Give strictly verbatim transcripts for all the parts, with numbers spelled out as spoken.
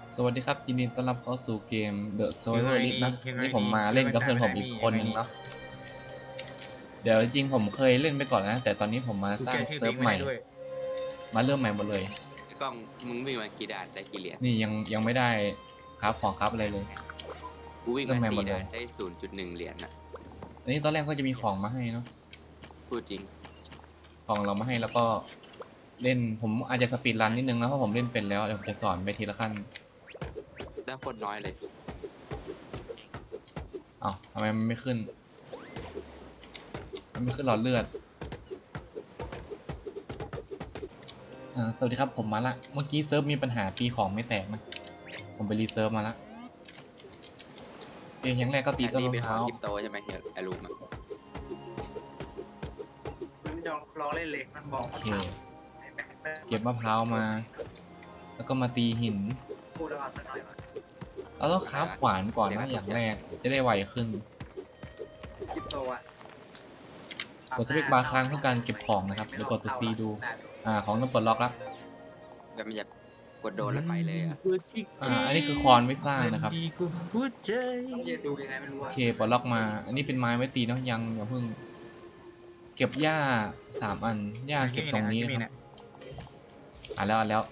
สวัสดีครับยินดีต้อนรับเข้าสู่เกม The ยังไง Survivor ดี League นะยังไงนี่ผมมาดีเล่นกับเพื่อนผมยังไงอีกดีคนนึงยังไงดีเนาะเดี๋ยวจริงๆผมเคยเล่นไปก่อนแล้วนะแต่ตอนนี้ผมมาสร้างกูแก้ชื่อเซิร์ฟเพลงใหม่ไม่ได้ด้วยมาเริ่มใหม่หมดเลยไอ้กล้องมึงวิ่งมากี่ด่านได้กี่เหรียญนี่ยังยังไม่ได้ครับของครับอะไรเลยกูวิ่งเริ่มามใหม่หมดสี่เลยด่านได้ศูนย์จุดหนึ่งเหรียญน่ะอันนี้ตอนแรกก็จะมีของมาให้เนาะพูดจริงของเรามาให้แล้วก็เล่นผมอาจจะสปีดรันนิดนึงนะเพราะผมเล่นเป็นแล้วเดี๋ยวผมจะสอนไปทีละขั้นได้โคตรน้อยเลยอ้าวทำไมมันไม่ขึ้นมันไม่ขึ้นหลอดเลือดอ่าสวัสดีครับผมมาละเมื่อกี้เซิร์ฟมีปัญหาตีของไม่แตกนะผมไปรีเซิร์ฟมาละเพียงอย่างแรกก็ตีอันต้นนี้มะเป็นพของร้าวคริปโตใช่ไหมเฮียไอรูมอะมันจะลองเล่นเล็กมันบอกโอเคเก็บมะพร้าวมา แล้วก็มาตีหินพูดแล้วสักหน่อยว่าเราต้องคราฟขวานก่อนนะอย่างแรกจะได้ไวขึ้นคริปโตอ่ะกดสเปคบาร์ค้างเพื่อการเก็บของนะครับหรือกดตัว C ดูอ่าของต้องปลดล็อกแล้วแบบมันจะกดโดนแล้วไปเลยอ่ะอ่าอันนี้คือคอนไว้สร้างนะครับต้องยืนดูยังไงไม่รู้โออ่ะเคปลดล็อกมา อันนี้เป็นไม้ไว้ตีเนาะยังอย่าเพิ่ง เก็บหญ้าสามอันหญ้าเก็บตรงนี้นะครับอ่าแล้วอ่าแล้ว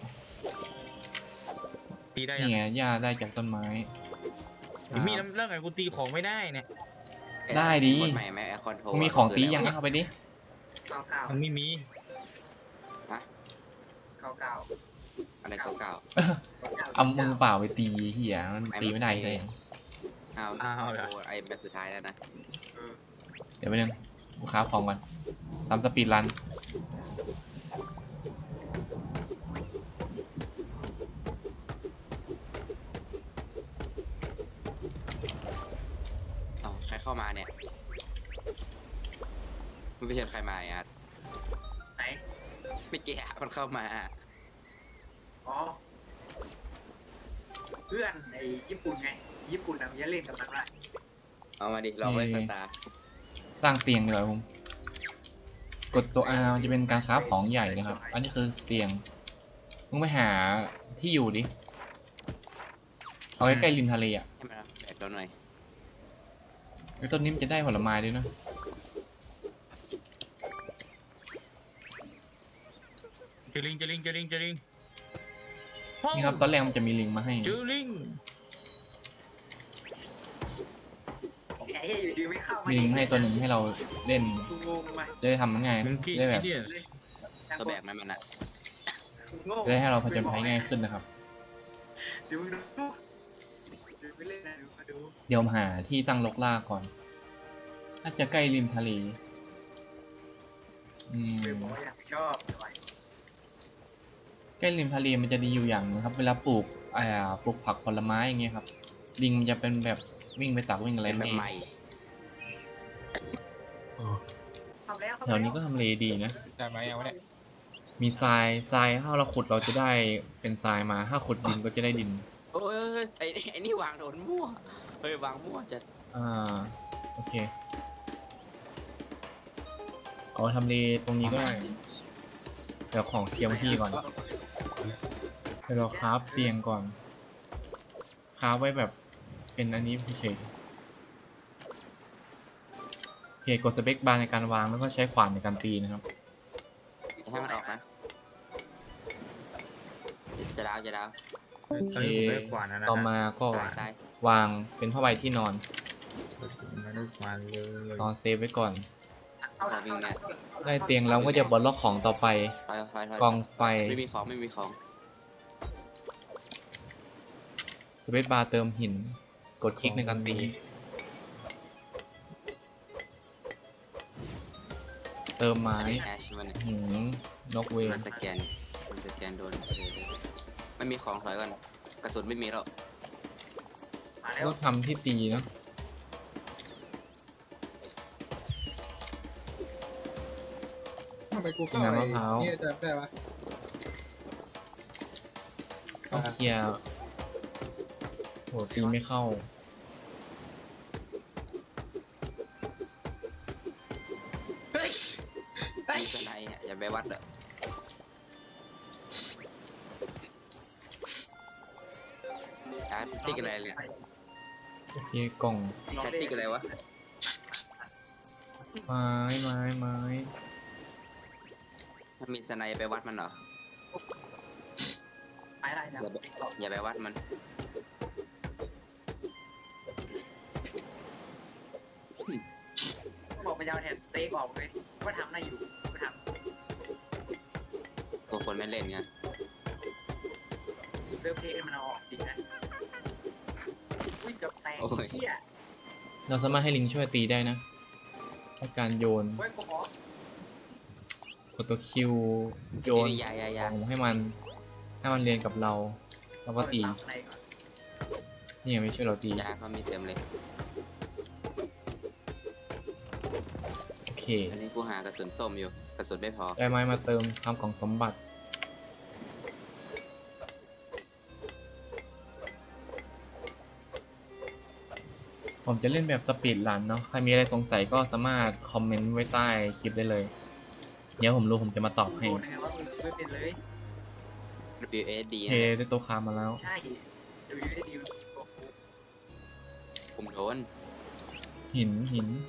ตีได้นี่ไงหญ้าได้จากต้นไม้ยังมีน้ำเรื่องไงกูตีของไม่ได้เนี่ยได้ดิกดใหม่ไหมไอคอนโทรมีของตียังเอาไปดิเก้าเก้ามันไม่มีฮะเก้าเก้าอะไรเก่าเอามือเปล่าไปตีเหี้ยมันตีไม่ได้เลยๆอ้าวอ้าวเหรอโอ้ไอแบบสุดท้ายแล้วนะเดี๋ยวไปหนึ่งลูกค้าของก่อนทำสปีดรันอ๋อใครเข้ามาเนี่ยมึงไปเห็นใครมาอ่ะไหนไม่เกี่ยมันเข้ามาอ๋อเพื่อนในญี่ปุ่นไงญี่ปุ่นนะมันจะเล่นกับมันว่าเอามาดิลองไว้สตาร์สร้างเตียงดีกว่าผมกดตัว R มันจะเป็นการคราฟของใหญ่นะครับ อันนี้คือเตียงมึงไปหาที่อยู่ดิเอาใกล้ๆริมทะเลอ่ะให้มันแบกเราหน่อยไอ้ต้นนี้มันจะได้ผลไม้ด้วยนะเจอลิงเจอลิงเจอลิงเจอลิงนี่ครับตอนแรกมันจะมีลิงมาให้เจอลิงไอ้อยู่ดีไม่เข้ามีลิงมาให้ตัวหนึ่งให้เราเล่นกูงงไปจะได้ทำมันง่ายมึงคิดจะได้แบบคิดดิตัวแบกมันมันอ่ะงงจะได้ให้เราผจญภัยง่ายขึ้นนะครับเดี๋ยวมึงดูดูไปเล่นนะดูมาดูเดี๋ยวผมหาที่ตั้งลกล่าก่อนน่าจะใกล้ริมทะเลอืมไปบอกว่าอยากชอบอะไรใกล้ริมทะเลมันจะดีอยู่อย่างหนึงครับ เวลาปลูกอ่าปลูกผักผลไม้อย่างเงี้ยครับ ลิงมันจะเป็นแบบวิ่งไปตักวิ่งอะไรเป็นแบบไม่ใหม่ทำแล้วแถวนี้ก็ทำเลดีนะได้ไหมเอาเนี่ยมีทรายทรายถ้าเราขุดเราจะได้เป็นทรายมา ถ้าขุดดินก็จะได้ดินโอ้ยไอ้ไอ้นี่วางโดนมั่วเฮ้ยวางมั่วจะอ่าโอเคเอาทำเลตรงนี้ก็ได้เดี๋ยวของเชียร์ที่ก่อนเดี๋ยวเราคราฟเตียงก่อนคราฟไว้แบบเป็นอันนี้เฉยโอเคกดสเปคบาร์ในการวางแล้วก็ใช้ขวานในการตีนะครับให้มันออกนะจะดาวจะดาวโอเคตอนนี้ผมได้ขวานแล้วนะ Ờ, ต่อมาก็ตายตายวางเป็นผ้าใบที่นอนไม่ได้ขวานเลยนอนเซฟไว้ก่อนเอาหนักเอาหนักได้เตียงแล้วก็จะบล็อกของต่อไปไฟไฟไฟกองไฟไม่มีของไม่มีของสเปซบาร์เติมหิน กดคลิกในการตี เติมไม้อันนี้แอชมันเนี่ยหืมนกเวมัน นสแกนมันสแกนโดนเออไม่มีของถอยก่อนกระสุนไม่มีหรอกมาแล้วก็ทำที่ตีเนาะทำไมกูเข้าน้ำไอ้มะพร้าวเนี่ยจะได้ปะต้องเคลียร์โหตีไม่เข้ามีสไนอ่ะอย่าไปวัดอ่ะาร์ดติ๊กอะไรเนี่ยโอเคกล่องแคสติ๊กอะไรวะไม้ไม้ไม้มันมีสไนไปวัดมันเหรอไปอะไรนะอย่าไปอย่าไปวัดมันบอกไปจะเอาแทนสเต็กออกเลยว่าทำได้อยู่ว่าทพวกคนไม่เล่นไงำเริ่มเทให้มันเอาออกจริงนะอุ้ยเกับแตกเหี้ยเราสามารถให้ลิงช่วยตีได้นะในการโยนเว้ยกูขอกดตัวคิวโยนยายายาของให้มันให้มันเรียนกับเราแล้วก็ตีเอาไปตามในก่อนนี่ยังไม่ช่วยเราตียาเขามีเต็มเลยโอเคอันนี้กูหากระสุนส้มอยู่กระสุนไม่พอได้ไม้มาเติมทำกล่องสมบัติผมจะเล่นแบบสปีดรันเนาะใครมีอะไรสงสัยก็สามารถคอมเมนต์ไว้ใต้คลิปได้เลย เดี๋ยวผมรู้ผมจะมาตอบให้โดนยังไงว่ามึงไม่เป็นเลย W S D โอเคได้ตัวคามาแล้วใช่ดูอยู่ได้ดีผมโดนหินหิน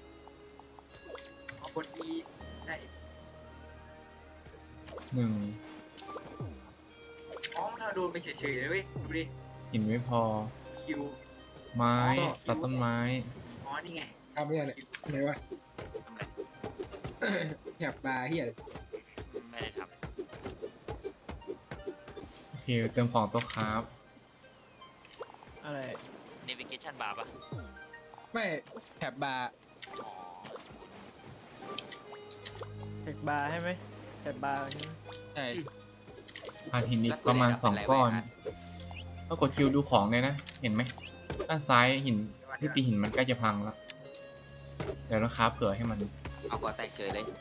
เอาคนดีได้หนึ่งอ๋อมันเอาโดนไปเฉยๆเลยเว้ยดูดิหินไม่พอคิวไม้ตัดต้นไม้อ๋อนี่ไงทำเนี่ยอะไรไหนวะทำอะไรแถบปลาเฮียอะไรไม่ได้ทโอเคเติมของตัวคราฟอะไรำ navigation bar ปะไม่แถบบาร์อ๋อเทคบาร์ใช่ไหมเทคบาร์ใช่ไหมใช่ผ่านหินอีกประมาณสองก้อนก็กดคิวดูของเลยนะ เห็นไหมด้านซ้ายหินที่ตีหินมันใกล้จะพังแล้ว เดี๋ยวเราคราฟเผื่อให้มันเอาก่อแตกเฉยเลย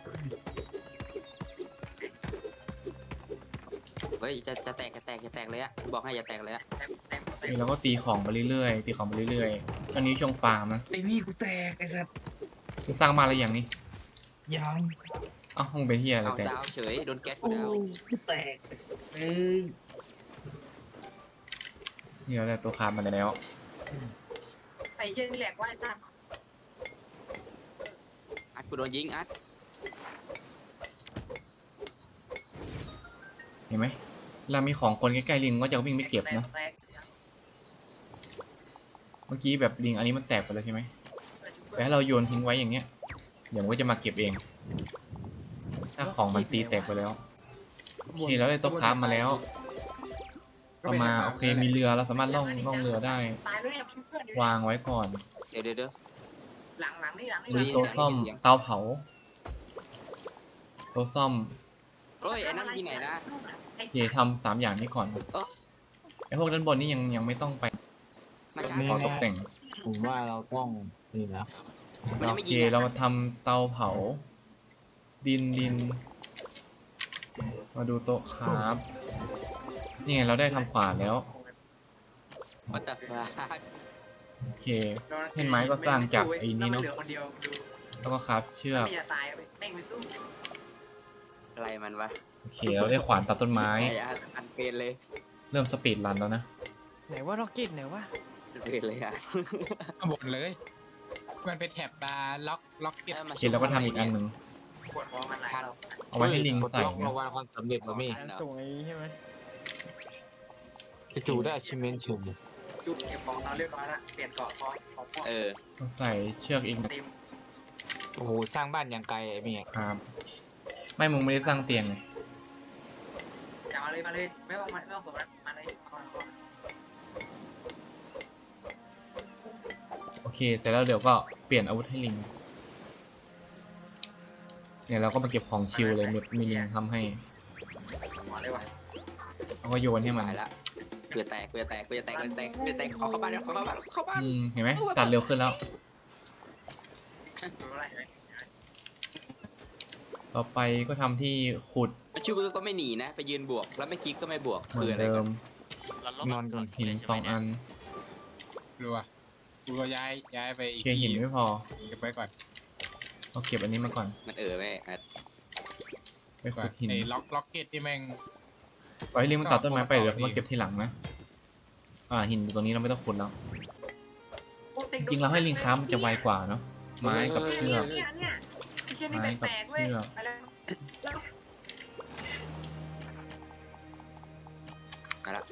เฮ้ยจะจะแตกจะแตกจะแตกเลยอะบอกให้อย่าแตกเลยอะแต้มแต้มแต้มนี่เราก็ตีของไปเรื่อยๆ ตีของไปเรื่อยๆ ช่วงนี้ช่วงฟาร์มนะไอ้นี่กูแตกไอ้สัสจะสร้างมาอะไรอย่างนี้ยังเอ้ามึงเป็นเฮียอะไรเอาแต่ดาวเฉยโดนแก๊สกูโอ้ดาวกูแตกเอ้ยนี่เราได้ตัวคราฟมาแล้วไอ้เหี้ยนี่แหลกว่าไอ้ตั้มอัดกูโดนยิงอัดเห็นไหมเรามีของคนใกล้ๆลิงก็จะวิ่งไปเก็บนะแตกเมื่อกี้แบบลิงอันนี้มันแตกไปแล้วใช่ไหมแต่ถ้าเราโยนทิ้งไว้อย่างเงี้ย เดี๋ยวมันก็จะมาเก็บเอง ถ้าของมันตีแตกไปแล้ว โอเคแล้วได้ตัวคราฟมาแล้วต่อมาโอเคมีเรือเราสามารถล่องล่องเรือได้ตายแล้วเนี่ยเพื่อนวางไว้ก่อนเดี๋ยวเดี๋ยวเดี๋ยวหลังหลังนี่หลังนี่มีหลังโต๊ะซ่อมเตาเผาโต๊ะซ่อมเฮ้ยไอ้นั่นที่ไหนนะโอเคทำสามอย่างนี้ก่อนเอ้อไอพวกด้านบนนี่ยังยังไม่ต้องไปมาช้าขอตกแต่งผมว่าเราต้องนี่นะมันยังโอไม่เคยิงอะเรามาทำเตาเผา ดินดิน มาดูโต๊ะครับนี่ไงเราได้ทำขวานแล้ววัดแต่ฟ้าโอเค เห็นไหมก็สร้างจากไอ้นี่เนอะเหลือคนเดียวดูแล้วก็ครับเชือกไม่จะตายไปแม่งไปสู้อะไรมันวะโอเคเราได้ขวานตัดต้นไม้ไอ้อันอันเป็นเลยเริ่มสปีดรันแล้วนะไหนว่าล็อกเก็ตไหนว่าอันเป็นเลยอ่ะข้างบนเลย มันเป็นแถบบาร์ล็อกล็อกเก็ตโอเคเราก็ทำอีกอันหนึ่งปวดหัวมันหลายเราเอาไว้ให้ลิงใส่ล็อกนะระวังความสำเร็จมามี่การส่งไอ้นี้ใช่ไหมจู่ๆได้ achievement เฉยจุดเก็บของเราเรียบร้อยละเปลี่ยนเกาะพอของพวกเออเราใส่เชือกอีกเต็มโอ้โห สร้างบ้านอย่างไกลไอ้มี่ครับ ไม่มึงไม่ได้สร้างเตียงไงจะมาเลยมาเลยไม่ต้องมาไม่ต้องกดมันมาเลยมาเลยโอเคเสร็จแล้วเดี๋ยวก็เปลี่ยนอาวุธให้ลิง เนี่ยเราก็มาเก็บของชิลเลยมีมีลิงทำให้มาเลยว่ะแล้วก็โยนให้มันหายละเพื่อแตกเพื่อแตกเพื่อแตกเพื่อแตกเพื่อแตกขอเข้าบ้านเดี๋ยวขอเข้าบ้านเข้าบ้านอืมเห็นไหมตัดเร็วขึ้นแล้วดูอะไรไหมต่อไปก็ทำที่ขุดมันชื่อก็ไม่หนีนะ ไปยืนบวก แล้วไม่คลิกก็ไม่บวกเหมืคือ อน อะไรเดิกันมเราลบนอนก่อนหินสองอันรัวกูก็ย้ายย้ายไปโออีกเคหินไม่พอเก็บไว้ก่อนเอาเก็บอันนี้มาก่อนมันเออแม่อัดไปขุดหินไอ้ล็อกล็อกเก็ตที่แม่งปล่อยให้ลิงมันตัดต้นไม้ไปเดี๋ยวเขามาเก็บทีหลังนะอ่าหินอยู่ตรงนี้เราไม่ต้องขุดแล้วโอ้ต็มจริงๆเราให้ลิงค้ามันจะไวกว่าเนาะไม้กับเชือกเนี่ยเนี่ยไอ้เชี่ยนี่ไม้กับแปลกๆเว้ยเชือกไปแล้วแล้วมาละ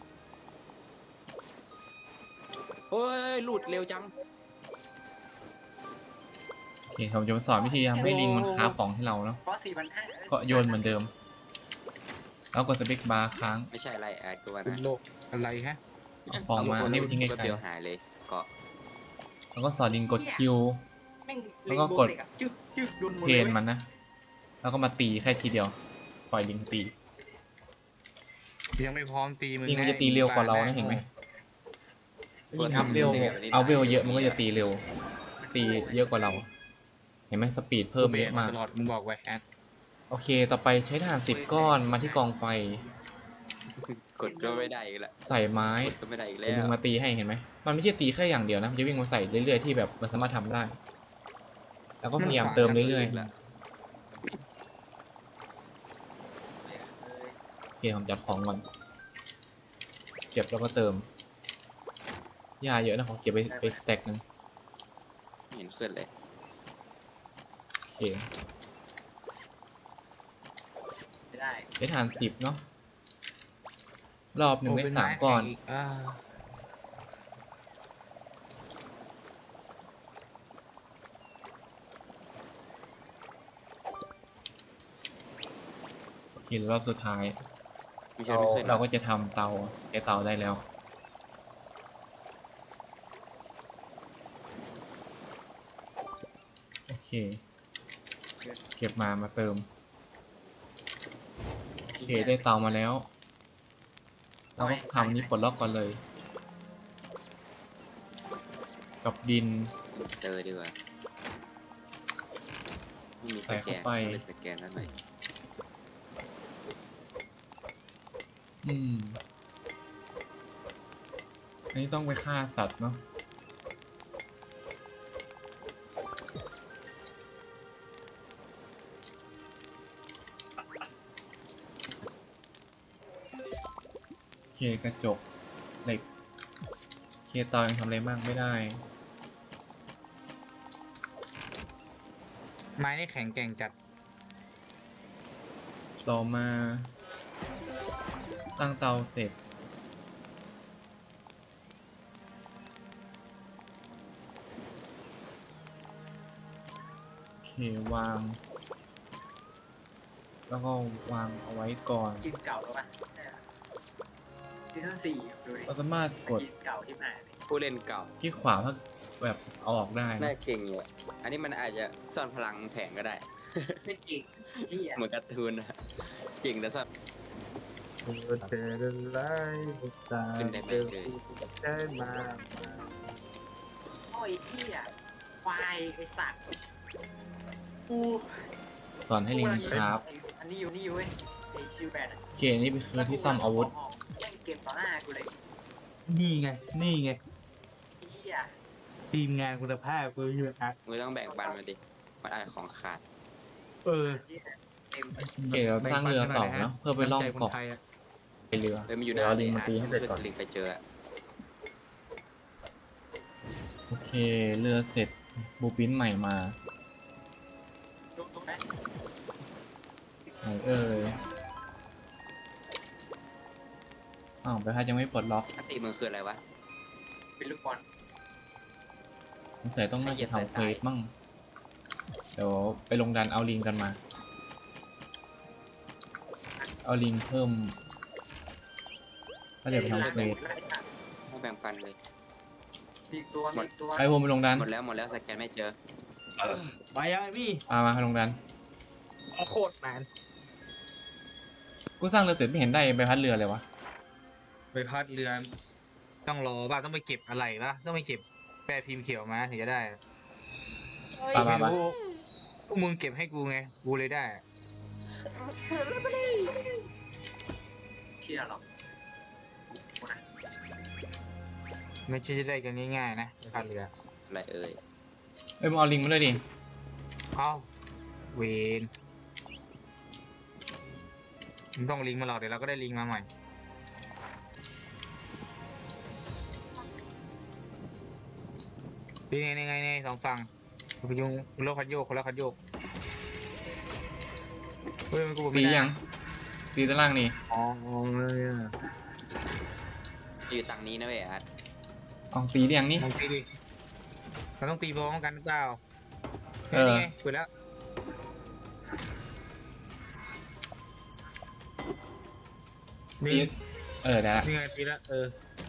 โอ้ยหลุดเร็วจังโอเคผมจะมาสอนวิธีทำให้ลิงมันค้าฟของให้เราเนาะเพราะสี่พันห้าก็โยนเหมือนเดิม แล้วกดสเปคบาร์ค้างไม่ใช่อะไรแอดกูว่าคุณนะโลกอะไรฮะเอาฟองมานี่ไปทิ้งไกแป๊บลเดียวหายเลยเกาะๆแล้วก็สอนลิงกดคิวแม่งแล้วก็กดลิงโบเล็อะจึ๊กจึ๊กโดนหมดเทเลยรนมันนะ แล้วก็มาตีแค่ทีเดียว ปล่อยลิงตียังไม่พร้อมตีมึงลิงมันจะตีเร็วกว่าเรานะเห็นไหมยิ่งอัพเวลเอาเวลเยอะมันก็จะตีเร็ว ตีเยอะกว่าเรา เห็นไหมสปีดเพิ่มเยอะมากตลอดมึงบอกไว้แอดโอเค ต่อไปใช้ถ่านสิบก้อนมาที่กองไฟกดก็ไม่ได้อีกแล้วใส่ไม้กดก็ไม่ได้อีกแล้เดี๋ยววดึงมาตีให้เห็นไหม มันไม่ใช่ตีแค่อย่างเดียวนะ มันจะวิ่งมาใส่เรื่อยๆที่แบบมันสามารถทำได้ แล้วก็พยายามเติมเรื่อยๆ โอเคผมจัดของก่อน เก็บแล้วก็เติมหญ้าเยอะนะผมเก็บไปไปสแต็กนึงไม่เห็นขึ้นเลยโอเคไม่ได้ใช้ฐานสิบเนาะ รอบหนึ่งได้สามก้อนอ่าโอเครอบสุดท้ายไม่ใช่เราไม่ขึ้นเราก็จะทำเตาใช้เตาได้แล้ว โอเค เก็บมามาเติม โอเคได้เตามาแล้ว เราก็ทำนี้ปลดล็อกก่อนเลย กับดินเจอดีกว่าไม่มีสใส่แกเข้าน ไปเลยสแกนนั่นหน่อยอืม อันนี้ต้องไปฆ่าสัตว์เนาะ โอเคกระจกเหล็กโอเคเตายังทำอะไรมากไม่ได้ไม้นี่แข็งแกร่งจัดต่อมาตั้งเตาเสร็จ โอเควาง แล้วก็วางเอาไว้ก่อนกินเก่าแล้วป่ะซีซั่นสี่ดูดิเราสามารถกดกินเก่าที่ไหนผู้เล่นเก่าที่ขวาเพื่อแบบเอาออกได้น่านะเก่งอยู่อะอันนี้มันอาจจะซ่อนพลังแผงก็ได้ไม่จริงที่อ่ะเหมือนการ์ตูนนะเก่งแต่ซ่อน ขึ้นได้ไหมเลยโอ้ยที่อ่ะควายไอสัตว์กูสอนให้ลิงครับอันนี้อยู่นี่อยู่เว้ยไอชิวแบนอ่ะโอเคนี่คือที่ซ่อมอาวุธแม่งเก็บต่อหน้ากูเลยนี่ไง นี่ไงไอ้เหี้ยทีมงานคุณภาพกูอยู่นะมึงต้องแบ่งปันมันดิ มันอาจของขาดเออเต็มโอเคเราสร้างเรือต่อเนาะเพื่อไปล่องเกาะน้ำใจคนไทยอะไปเรือเลยมันอยู่เดี๋ยวเอาลิงในมาตีให้เสร็จก่อนลิงไปเจออะโอเคเรือเสร็จบูปินใหม่มาตรงตรงไหนไหนเอ่ยอ้าวไปพัดยังไม่ปลดล็อกอันติมึงคืออะไรวะเป็นลูกบอลสงสัยต้องน่าจะทำเควสมั่งเดี๋ยวไปลงดันเอาลิงกันมา เอาลิงเพิ่มก็เดี๋ยวไปทำเควสไม่แบ่งปันเลยมีอีกตัวมีอีกตัวไอ้ผมไปลงดันหมดแล้วหมดแล้วสแกนไม่เจอไปยังไงพี่มามาลงดันโคตรนานกูสร้างเรือเสร็จไม่เห็นได้ใบพัดเรือเลยวะไปพัดเรือ ต้องรอป่ะต้องไปเก็บอะไรป่ะต้องไปเก็บแปรพิมพ์เขียวมาถึงจะได้ไปไปไปไม่รู้พวกมึงเก็บให้กูไง กูเลยได้เชี่ยหรอกไม่ใช่จะได้กันง่ายๆนะไปพัดเรืออะไรเอ่ยเอ้ยมึงเอาลิงมาด้วยดิเอ้า เวนมึงต้องลิงก์มาหรอกเดี๋ยวเราก็ได้ลิงก์มาใหม่ดีไงไงไงสองฝั่งพยุงโลกคันโยกคนละคันโยกเฮ้ยมันกูบอกตีไม่ได้ยังตีด้านล่างนี่อ๋อเลยอะอยู่ตังนี้นะเว้ยอาร์ตเอาตีหรือยังนี่ลองตีดิเราต้องตีพร้อมกันหรือเปล่าเออนี่ไงเปิดแล้วตีนี่เออได้ละนี่ไงตีแล้วเออ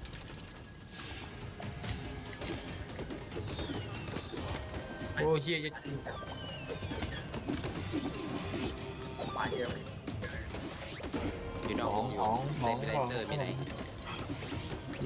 โอ้เฮียจะมาเยอะเลยอยู่นอกขวองงอขยู่องขเลองยไปไลเตอร์มีไหนอู้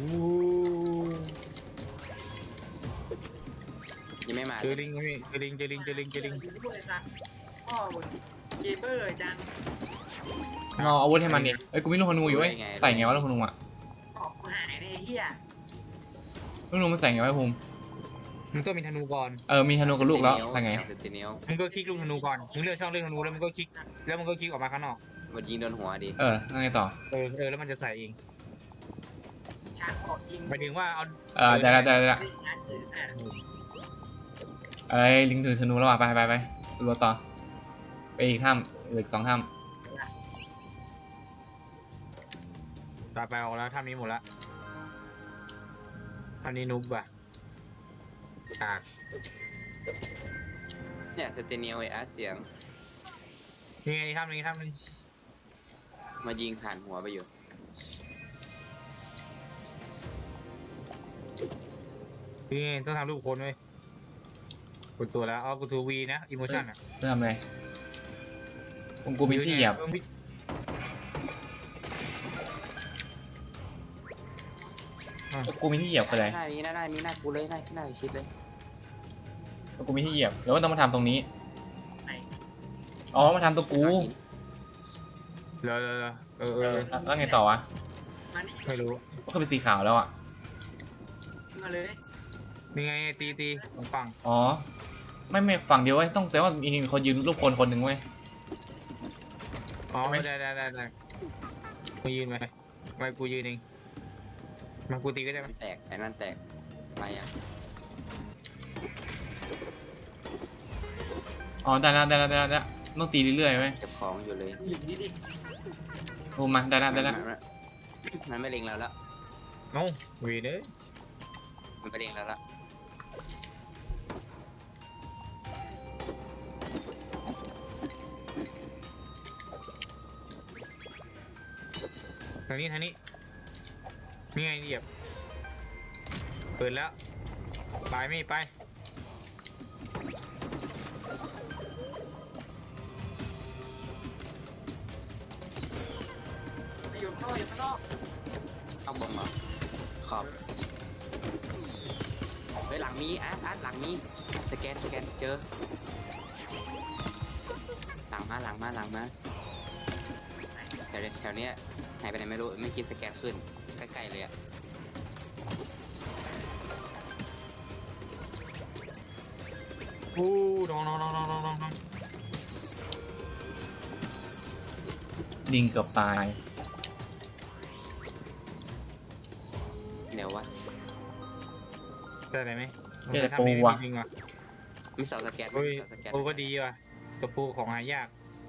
ยังไม่มาเจอลิงไหมพี่เจอลิงเจอลิงเจอลิงเจอลิงพูดเลยจ้ะพ่อมึงเกมเบอร์จังเอาอาวุธให้มันดิเอ้ยกูมีลูกธนูอยู่เว้ยใส่ไงวะลูกธนูอ่ะออกกูหายเลยไอ้เฮียลูกธนูมันใส่ไงวะภูมิมึงต้องมีธนูก่อนเออมีธนูกับลูกแล้วใส่ไงเซนติเนลมึงก็คลิกลูกธนูก่อนมึงเลือกช่องเลือกธนูแล้วมึงก็คลิกแล้วมึงก็คลิกออกมาข้างนอกมันยิงโดนหัวดิเออแล้วไงต่อเออเออแล้วมันจะใส่เองชาร์จออกยิงหมายถึงว่าเอาเออได้ละได้ละได้ละไม่ชาร์จถืออ่ะเอ้ยลิงถือธนูแล้วว่ะไปไปไปรัวต่อไปอีกถ้ำเหลืออกสองถ้ตาไปออกแล้วท่านี้หมดละท่านี้นุบอ่ะอ่ะเนี่ยเซนติเนลไออาร์ตเสียงนี่ไงท่านี้ท่านี้มายิงผ่านหัวไปอยู่นี่ไงต้องทำรูปคนเว้ยกดตัวแล้วเอากูทูวีนะอิโมชั่นอ่ะำเริ่มเลยผมกูมีที่เหยียบเออมีกูมีที่เหยียบคืออะไรหน้ามีหน้าหน้ามีหน้ากูเลยหน้าหน้าชิดเลยกูมีที่เหยียบแล้วว่าต้องมาทำตรงนี้อ๋อมาทำตัวกูเหรอเหรอเหรอเออเอเอออแล้วไงต่อวะมานี่ไม่รู้ก็เป็นสีขาวแล้วอ่ะมาเลยนี่ไงตีตีตรงฝั่งอ๋อไม่ไม่ฝั่งเดียวเว้ยต้องแต่ว่ามีคนยืนรูปคนคนหนึ่งเว้ยอ๋อใช่ไหมได้ได้ได้ได้กูยืนไหมไม่กูยืนเองมากูตีก็ได้ไหมมันแตกไอ้นั่นแตกไปอ่ะอ๋อได้แล้วได้แล้วได้แล้วได้แล้วต้องตีเรื่อยๆเว้ยเก็บของอยู่เลยหยิบนี่ดิโอ้มาได้แล้วได้แล้วมันมันไม่เล็งเราแล้วโน้วีเด้อมันไปเล็งเราแล้วทางนี้ทางนี้นี่ไงเหยียบเปิดแล้วไปไม่ไปไปอยู่ข้างนอกอยู่ข้างนอกเข้าบนเหรอขอบเฮ้ยหลังมีอาร์ตอาร์ตหลังมีสแกนสแกนเจอหลังมาหลังมาหลังมาแถวแถวเนี้ยหายไปไหนไม่รู้ไม่คิดสแกนขึ้นใกล้ๆเลยอ่ะโอ้น้องน้องน้องน้องน้องน้องลิงเกือบตายเดี๋ยววะได้อะไรไหมเจอทำนี้ปูว่ะจริงว่ะมีเสาสแกนไหมเฮ้ยเสาสแกนโอ้ก็ดีว่ะตัวปูของหายาก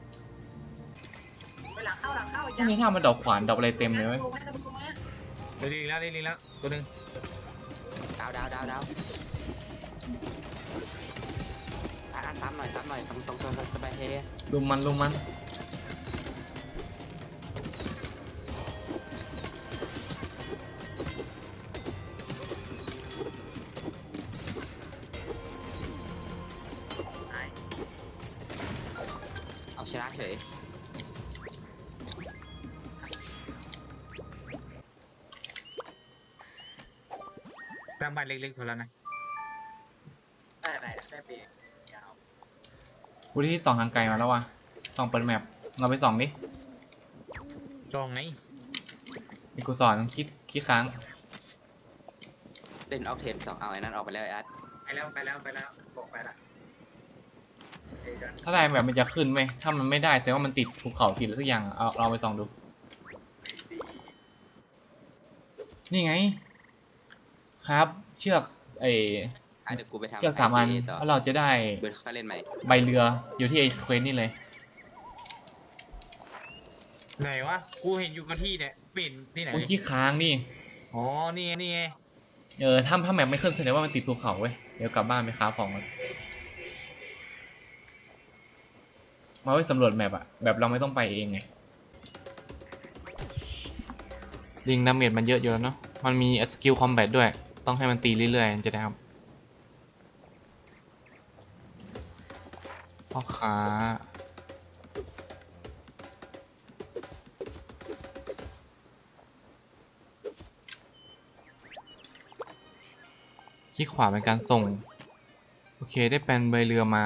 ไปหลังเข้าหลังเข้าพวกนี้ถ้ามันดอกขวานดอกอะไรเต็มเลยเว้ยลงมาลงมาเดี๋ยวดีแล้วดีแล้วตัวหนึ่งดาวดาวดาวดาวอ่ะอ่ะตามหน่อยตามหน่อยตรงตรงตรงสบายเฮลุมมันลุมมันเอาชนะเฉยสร้างบ้านเล็กๆพอแล้วนะได้ได้ได้เบรกยาวกูที่ส่องทางไกลมาแล้วว่ะส่องเปิดแมปเราไปส่องดิจองไงมีกูสอนคิดคิดค้างเล่นออกเทนสองเอาไอ้นั่นออกไปแล้วไอ้อาร์ตไปแล้วไปแล้วไปแล้วบอกไปละเดี๋ยวกันถ้าได้แบบมันจะขึ้นไหมถ้ามันไม่ได้แต่ว่ามันติดภูเขาติดอะไรสักอย่างเอาเราไปส่องดู นี่ไง ครับ เชือกไอ้อ่ะเดี๋ยวกูไปทำเชือกสามอันไอทีต่อแล้วเราจะได้เบิร์ดค่อยเล่นใหม่ใบเรืออยู่ที่ไอ้เควสนี่เลยไหนวะกูเห็นอยู่กับที่เนี่ยเปลี่ยนที่ไหนคุณขี้ค้างนี่อ๋อนี่ไงนี่ไงเออถ้าถ้าแมปไม่ขึ้นแสดงว่ามันติดภูเขาเว้ย เดี๋ยวกลับบ้านไปค้าของกันมาไว้สำรวจแมปอะแบบเราไม่ต้องไปเองไงลิงดาเมจมันเยอะอยู่แล้วเนาะ มันมีสกิลคอมแบทด้วย ต้องให้มันตีเรื่อยๆจะได้ครับพ่อค้าคลิกขวาเป็นการส่ง โอเคได้แปลนใบเรือมา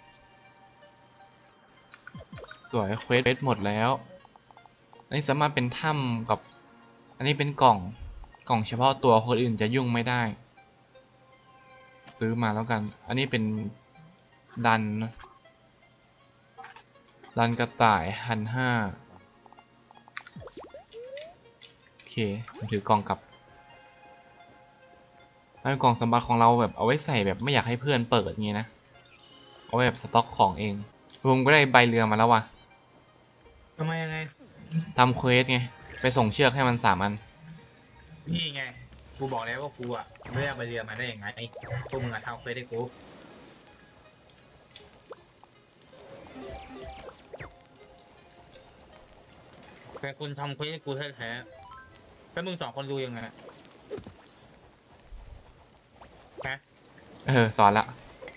สวยเควสหมดแล้ว อันนี้สามารถเป็นถ้ำกับ อันนี้เป็นกล่อง กล่องเฉพาะตัวคนอื่นจะยุ่งไม่ได้ ซื้อมาแล้วกัน อันนี้เป็นดันนะดันกระต่ายพันห้าโอเคผมถือกล่องกลับแล้วกล่องสมบัติของเราแบบเอาไว้ใส่แบบไม่อยากให้เพื่อนเปิดอย่างงี้นะ เอาไว้แบบสต็อกของเองผมก็ได้ใบเรือมาแล้วว่ะทำไมยังไงทำเควสไง ไปส่งเชือกให้มันสามอันนี่ไงกูบอกแล้วว่ากูอ่ะไม่ได้เอาไปเรือมาได้ยังไงไอ้พวกมึงอะทำเฟซให้กูแต่คุณทำเควสให้กูแท้ๆแล้วมึงสองคนดูยังไงฮะเออ สอนละ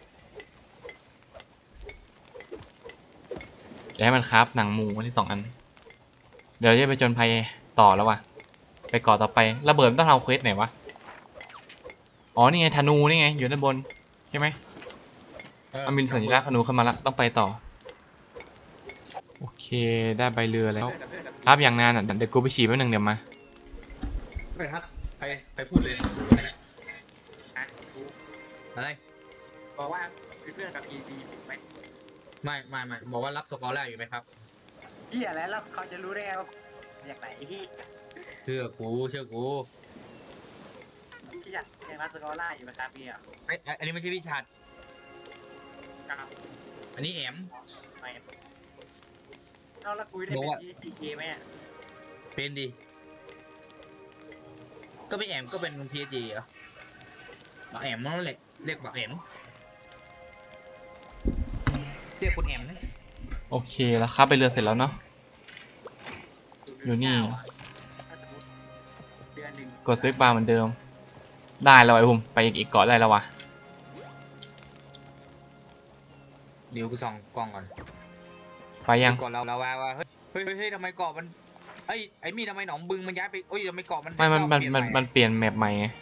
เดี๋ยวให้มันครับหนังหมูอันที่สองอัน เดี๋ยวเราจะไปจนภัยต่อแล้วว่ะ ไปเกาะต่อไประเบิดมันต้องทำเควสไหนวะ อ๋อ นี่ไงธนูนี่ไง อยู่ด้านบน ใช่ไหมเออมันมีสัญลักษณ์ธนูขึ้นมาละต้องไปต่อ โอเค ได้ใบเรือแล้ว ครับอย่างนานอ่ะ เดี๋ยวกูไปฉี่แป๊บนึงเดี๋ยวมาไปครับไปไปพูดเลยอ่ะกูอะไรบอกว่าเป็นเพื่อนกับอีดีไหมไม่ไม่ไม่บอกว่ารับสกอร์แรกอยู่ไหมครับที่อะไรแล้วเขาจะรู้ได้ไงว่าอยากไหนที่เชื่อกูเชื่อกูที่อยากยังรักสกอร่าอยู่นะครับพี่อ่ะไอ้ไอ้อันนี้ไม่ใช่พี่ชัดครับอันนี้แอมไม่เอาละคุยได้บอกเป็นว่าพีเคไหมอ่ะเป็นดีก็ไม่แอมก็เป็นพีเอจีเหรอบอกแอมนั่นแหละเรียกบอกแอมเรียกคุณแอมนะโอเคแล้วครับไปเรือเสร็จแล้วเนาะ อยู่นี่ถ้าสมมติเดือนหนึ่งกดซื้อบาร์เหมือนเดิม ได้แล้วไอ้ภูมิไปอีกอีกเกาะได้แล้ววะเดี๋ยวกูส่องกล้องก่อนไปยังก่อนเราเราว่าว่าเฮ้ยเฮ้ยเฮ้ยทำไมเกาะมันไอ้ไอ้มีทำไมหนองบึงมันย้ายไปโอ้ยทำไมเกาะมันไม่มันมันเปลี่ยมันใหมันเปลี่ยนแมปใหม่ไง